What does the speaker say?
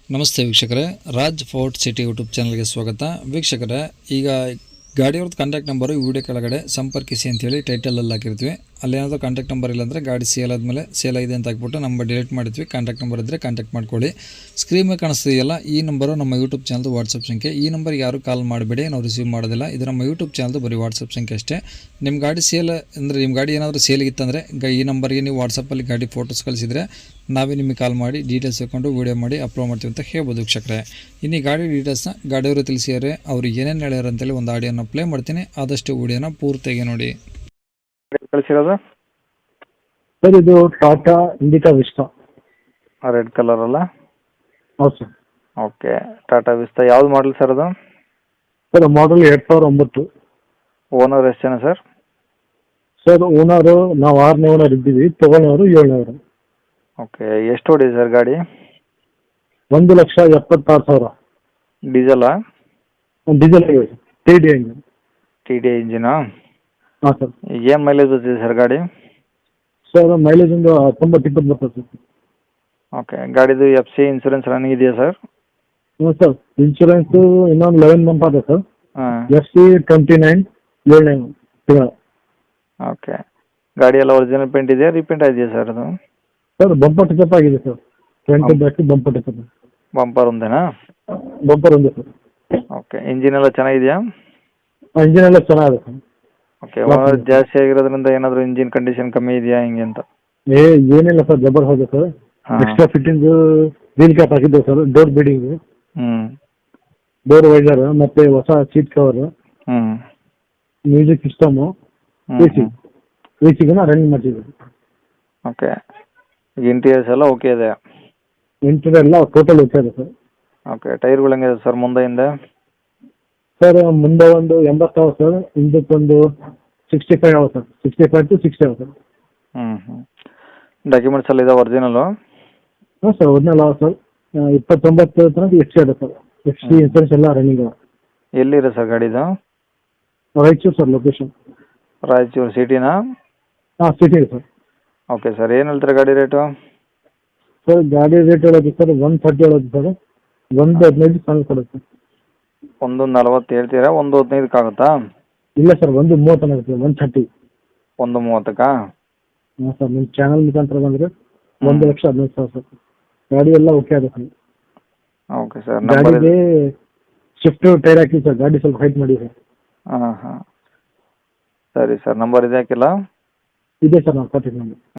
ನಮಸ್ತೆ ವೀಕ್ಷಕರೇ, Raj fort city YouTube ಚಾನಲ್ಗೆ ಸ್ವಾಗತ. ವೀಕ್ಷಕರೇ, ಈಗ ಗಾಡಿಯವ್ರದ್ದು ಕಾಂಟ್ಯಾಕ್ಟ್ ನಂಬರು ಈ ವಿಡಿಯೋ ಕೆಳಗಡೆ ಸಂಪರ್ಕಿಸಿ ಅಂತೇಳಿ ಟೈಟಲಲ್ಲಿ ಹಾಕಿರ್ತೀವಿ. ಅಲ್ಲೇನಾದರೂ ಕಾಂಟ್ಯಾಕ್ಟ್ ನಂಬರ್ ಇಲ್ಲಾಂದರೆ ಗಾಡಿ ಸೇಲ್ ಆದಮೇಲೆ ಸೇಲ್ ಆಗಿದೆ ಅಂತ ಹಾಕ್ಬಿಟ್ಟು ನಂಬರ್ ಡಿಲೀಟ್ ಮಾಡಿದ್ವಿ. ಕಾಂಟ್ಯಾಕ್ಟ್ ನಂಬರ್ ಇದ್ದರೆ ಕಾಂಟ್ಯಾಕ್ಟ್ ಮಾಡ್ಕೊಳ್ಳಿ. ಸ್ಕ್ರೀನ್ ಮೇಲೆ ಕಾಣಿಸ್ತಿದೆಯಲ್ಲ, ಈ ನಂಬರು ನಮ್ಮ ಯೂಟ್ಯೂಬ್ ಚಾನಲ್ದು ವಾಟ್ಸಪ್ ಸಂಖ್ಯೆ. ಈ ನಂಬರ್ಗೆ ಯಾರು ಕಾಲ್ ಮಾಡಬೇಡಿ, ನಾವು ರಿಸೀವ್ ಮಾಡೋದಿಲ್ಲ. ಇದು ನಮ್ಮ ಯೂಟ್ಯೂಬ್ ಚಾನಲ್ದು ಬರೀ ವಾಟ್ಸಪ್ ಸಂಖ್ಯೆ ಅಷ್ಟೇ. ನಿಮ್ಮ ಗಾಡಿ ಸೇಲ್ ಅಂದರೆ ನಿಮ್ಮ ಗಾಡಿ ಏನಾದರೂ ಸೇಲಿಗಿತ್ತಂದರೆ ಈ ನಂಬರ್ಗೆ ನೀವು ವಾಟ್ಸಪ್ಪಲ್ಲಿ ಗಾಡಿ ಫೋಟೋಸ್ ಕಳಿಸಿದರೆ ನಾವೇ ನಿಮಗೆ ಕಾಲ್ ಮಾಡಿ ಡೀಟೇಲ್ಸ್ ತಗೊಂಡು ವೀಡಿಯೋ ಮಾಡಿ ಅಪ್ಲೋಡ್ ಮಾಡ್ತೀವಿ ಅಂತ ಹೇಳ್ಬೋದು ವೀಕ್ಷಕರೇ. ಇನ್ನು ಈ ಗಾಡಿ ಡೀಟೇಲ್ಸ್ನ ಗಾಡಿಯವರು ತಿಳಿಸಿದರೆ ಅವರು ಏನೇನು ಹೇಳ್ಯಾರ ಅಂತೇಳಿ ಒಂದು ಆಡಿಯೋನ ಪ್ಲೇ ಮಾಡ್ತೀನಿ. ಆದಷ್ಟು ವೀಡಿಯೋನ ಪೂರ್ತಿಯಾಗಿ ನೋಡಿ. ಕಳಿಸಿರೋದು ಸರ್ ಇದು Tata Indica Vista. Red colour ಅಲ್ಲ? ಹೌದು ಸರ್. ಓಕೆ, ಟಾಟಾ ವಿಸ್ತಾ ಯಾವ್ದು ಮಾಡಲ್ ಸರ್ ಅದು? Sir model 2009. ಓನರ್ ಎಷ್ಟು ಜನ ಸರ್? ಸರ್ ಓನರು ನಾವು 6ನೇ ಓನರ್ ಇದ್ದೀವಿ, ತೊಗೊಳೋರು 7ನೇವರು. ಓಕೆ, ಎಷ್ಟು ಓಡಿದೆ ಸರ್ ಗಾಡಿ? 1,76,000. ಡೀಸೆಲಾ? ಡೀಸೆಲ್ ಆಗಿದೆ, TDI ಇಂಜಿನ್. TDI ಇಂಜಿನಾ? ಹಾಂ ಸರ್. ಏನು ಮೈಲೇಜ್ ಬರ್ತಿದೆ ಸರ್ ಗಾಡಿ? ಸರ್ ಮೈಲೇಜ್ ಒಂದು 90-20 ಬರ್ತದೆ ಸರ್. ಓಕೆ, ಗಾಡಿದು FC ಇನ್ಸೂರೆನ್ಸ್ ರನ್ನಿಂಗ್ ಇದೆಯಾ ಸರ್? ಹ್ಞೂ ಸರ್, ಇನ್ಶೂರೆನ್ಸು ಇನ್ನೊಂದು 11 ಮಂತ್ ಆದ ಸರ್. ಹಾಂ. FC 29 7ನೇ ತಿಂಗಳ. ಓಕೆ, ಗಾಡಿ ಎಲ್ಲ ಒರಿಜಿನಲ್ ಪೇಂಟ್ ಇದೆಯಾ, ರೀಪೇಂಟ್ ಇದೆಯಾ ಸರ್ ಅದು? ಸರ್ ಬಂಪರ್ ಟಿಕಪ್ ಆಗಿದೆ ಸರ್. ಫ್ರಂಟ್ ಬ್ಯಾಕ್ ಬಂಪರ್ ಟಿಕಪ್. ಬಂಪರ್ ಒಂದೇನಾ? ಬಂಪರ್ ಒಂದೇ ಸರ್. ಓಕೆ, ಇಂಜಿನ್ ಎಲ್ಲ ಚೆನ್ನಾಗಿದೆಯಾ? ಇಂಜಿನ್ ಎಲ್ಲ ಚೆನ್ನಾಗಿದೆ ಸರ್. ಓಕೆ, ಓನರ್ ಜಾಸ್ತಿ ಆಗಿರೋದ್ರಿಂದ ಏನಾದರೂ ಇಂಜಿನ್ ಕಂಡೀಷನ್ ಕಮ್ಮಿ ಇದೆಯಾ ಹಿಂಗೆ ಅಂತ? ಏನಿಲ್ಲ ಸರ್, ಜಬರ್ ಹೋಗಿದೆ sir. Extra fitting wheel cap ಹಾಕಿದ್ದೇವೆ sir, door beading, door visor, ಮತ್ತೆ ಹೊಸ ಸೀಟ್ ಕವರ್, ಮ್ಯೂಸಿಕ್ ಸಿಸ್ಟಮು, ಎಸಿಗನ್ನ ರನ್ನಿಂಗ್ ಮಾಡ್ತಿದ್ದೀವಿ. ಓಕೆ, ಈಗ ಇಂಟೀರಿಯರ್ಸ್ ಎಲ್ಲ ಓಕೆ ಇದೆ? ಇಂಟೀರಿಯರ್ ಎಲ್ಲ ಟೋಟಲ್ ಓಕೆ ಇದೆ ಸರ್. ಓಕೆ, ಟೈರ್ಗಳು ಹೆಂಗಿದೆ ಸರ್ ಮುಂದೆ ಹಿಂದೆ? ಸರ್ ಮುಂದೆ ಒಂದು 80 ಅವ ಸರ್, ಹಿಂದಕ್ಕೊಂದು 65 ಅವ ಸರ್. 65 to 60 ಅವ ಸರ್. ಡಾಕ್ಯುಮೆಂಟ್ಸ್ ಎಲ್ಲ ಇದೆ ಒರಿಜಿನಲು? ಹಾಂ ಸರ್, ಒರಿಜಿನಲ್ ಅವ ಸರ್. 29 ತನಕ FC ಇದೆ ಸರ್. FC ಇನ್ಸೂರೆನ್ಸ್ ಎಲ್ಲ ರನ್ನಿಂಗ್ ಅವ. ಎಲ್ಲಿದೆ ಸರ್ ಗಾಡಿದು? Raichur sir location. ರಾಯಚೂರು ಸಿಟಿನಾ? ಹಾಂ ಸಿಟಿ ಇದೆ ಸರ್. ಓಕೆ ಸರ್, ಏನು ಹೇಳ್ತಾರೆ ಗಾಡಿ ರೇಟು? ಸರ್ ಗಾಡಿ ರೇಟ್ ಹೇಳೋದು ಸರ್ 130 ಹೇಳೋದು ಸರ್. 115 ಫೈನಲ್ ಕೊಡುತ್ತೆ. 140 ಹೇಳ್ತೀರಾ? 115 ಆಗುತ್ತಾ? ಇಲ್ಲ ಸರ್, 130 ಆಗುತ್ತೆ. 130. 130? ಹಾಂ ಸರ್, ನಿಮ್ಮ ಚಾನಲ್ ಮುಖಾಂತರ ಬಂದರೆ 1,15,000 ಸರ್. ಗಾಡಿ ಎಲ್ಲ ಓಕೆ ಆಗುತ್ತೆ ಸರ್. ಓಕೆ ಸರ್, ಗಾಡಿಗೆ ಶಿಫ್ಟ್ ಟೈರ್ ಹಾಕಿ ಸರ್, ಗಾಡಿ ಸ್ವಲ್ಪ ಹೈಟ್ ಮಾಡಿ ಸರ್. ಹಾಂ ಸರಿ ಸರ್, ನಂಬರ್ ಇದೆ ಹಾಕಿಲ್ಲ? ಇದೆ ಸರ್, ನಾನು ಕೊಟ್ಟಿದ್ದು ನಂಬರ್.